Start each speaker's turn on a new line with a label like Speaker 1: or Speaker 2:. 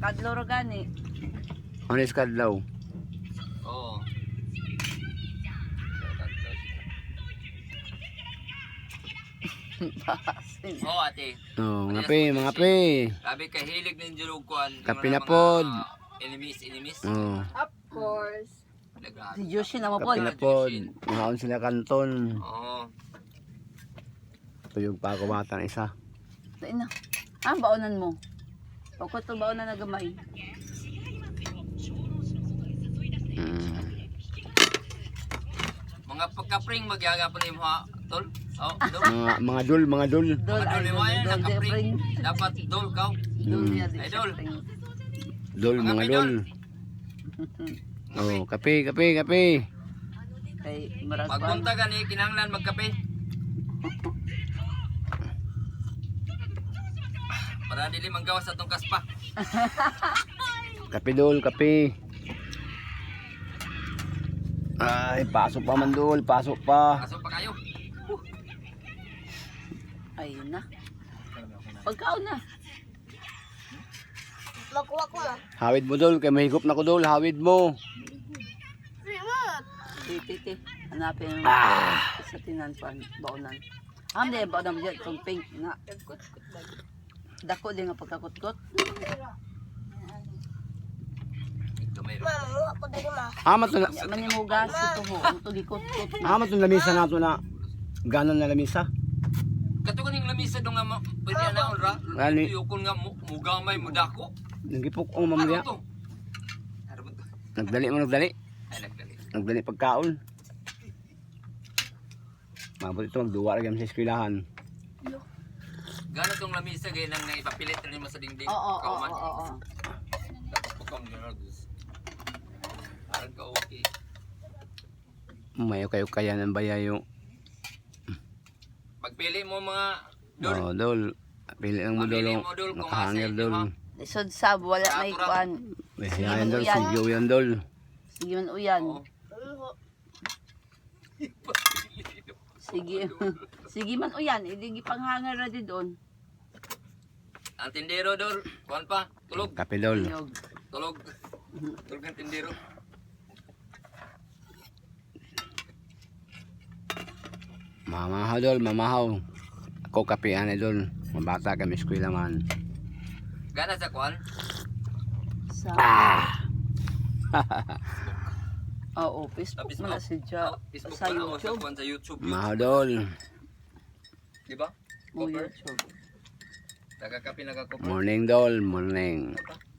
Speaker 1: Kadlaw ra gani.
Speaker 2: Ano is kadlaw?
Speaker 3: Oo. Oo, ate.
Speaker 2: Oh, mga pe, mga pe.
Speaker 3: Sabi kay hilig ng julog kuan.
Speaker 2: Kape na pod.
Speaker 3: Inimis.
Speaker 2: Oh,
Speaker 4: Of course.
Speaker 1: Si Joshi na mo po.
Speaker 2: kape na pod. Ngaon sila kanton.
Speaker 3: Oo.
Speaker 2: Tuyog pa ako batang isa.
Speaker 1: Dai na. Ah, baonan mo. Pagkot to baonan na gamay.
Speaker 3: Mga pagka-pring magyagapon mo ha, tol. Oh, dol.
Speaker 2: Mga dul, mga dul.
Speaker 1: Dol ay
Speaker 3: Dol mo yan,
Speaker 1: dol
Speaker 3: naka-pring. Dapat dol ka.
Speaker 1: Dol niya di.
Speaker 3: Ay, dol.
Speaker 2: Dul, mga dul. Oh, kape, kape, kape.
Speaker 1: Kay marag pa.
Speaker 3: Pagpunta ka ni kinahanglan magkape. Para dili manggawas sa tong kaspa.
Speaker 2: Kape dul, kape. Ay, pasok pa man dul, pasok pa.
Speaker 3: Pasok pa kayo.
Speaker 1: Ay na. Pagkaon na.
Speaker 4: Makuha ko na.
Speaker 2: Hawid mo dul, kay mahigop na ko dul, hawid mo.
Speaker 1: Titi. Hanapin mo. Sa tinan pa baonan. Di baonan mo dyan itong pink nga. Dako din nga pagkakutkot.
Speaker 3: Mayroon.
Speaker 4: Mamuha ko din ma.
Speaker 2: Amat na,
Speaker 1: Manimugas ito ho. Ito gikutkot.
Speaker 2: amat na lamisa nato na. Ganon na lamisa.
Speaker 3: Kato kaning lamisa do nga pwede ana ra.
Speaker 2: Gani.
Speaker 3: Yukon nga mugamay mudako.
Speaker 2: Nagipok ang mamaya.
Speaker 3: Ano to? Ano ba to?
Speaker 2: Nagdali mo, nagdali.
Speaker 3: Ay nagdali.
Speaker 2: Nagdali pagkaon. Mabot ito, magduwa rin sa eskwelahan.
Speaker 3: Gano tong lamisa gay nang naipapilit rin mo sa dingding.
Speaker 1: Oo.
Speaker 3: Kauman.
Speaker 1: Oo.
Speaker 3: Pagkam ni Rodus. Aran ka okay.
Speaker 2: Mayo kayo kaya ng bayayo.
Speaker 3: Pagpili mo mga dol.
Speaker 2: Oh, dol. Pili lang mo
Speaker 3: Pili
Speaker 2: dol.
Speaker 3: mo, dol, kung
Speaker 2: Nakahangir
Speaker 3: asa
Speaker 2: dol.
Speaker 3: inyo,
Speaker 1: Lisod sab wala na ikuan.
Speaker 2: Yan dol, sigyo yan dol.
Speaker 1: Sige man uyan.
Speaker 3: Oo.
Speaker 1: Sige. Sige man uyan. Hindi gipanghangar na di doon.
Speaker 3: Ang tindero dol. Kuan pa. Tulog.
Speaker 2: Kape dol.
Speaker 1: Yog.
Speaker 3: Tulog. Tulog ang tindero.
Speaker 2: Mamahaw dol, mamahaw. Ako kape ane dol. Mabata kami eskwela man.
Speaker 3: Gana sa kuan.
Speaker 1: Sa Oo, Facebook
Speaker 3: Sa
Speaker 1: man na si Ja.
Speaker 3: Facebook
Speaker 1: Sa
Speaker 3: pa na o sa
Speaker 1: YouTube.
Speaker 3: kuan sa YouTube.
Speaker 2: Mahaw dol.
Speaker 3: Di ba?
Speaker 1: Mo
Speaker 3: Cover.
Speaker 1: YouTube.
Speaker 3: Taga-kape nagka-cover.
Speaker 2: Morning dol, morning.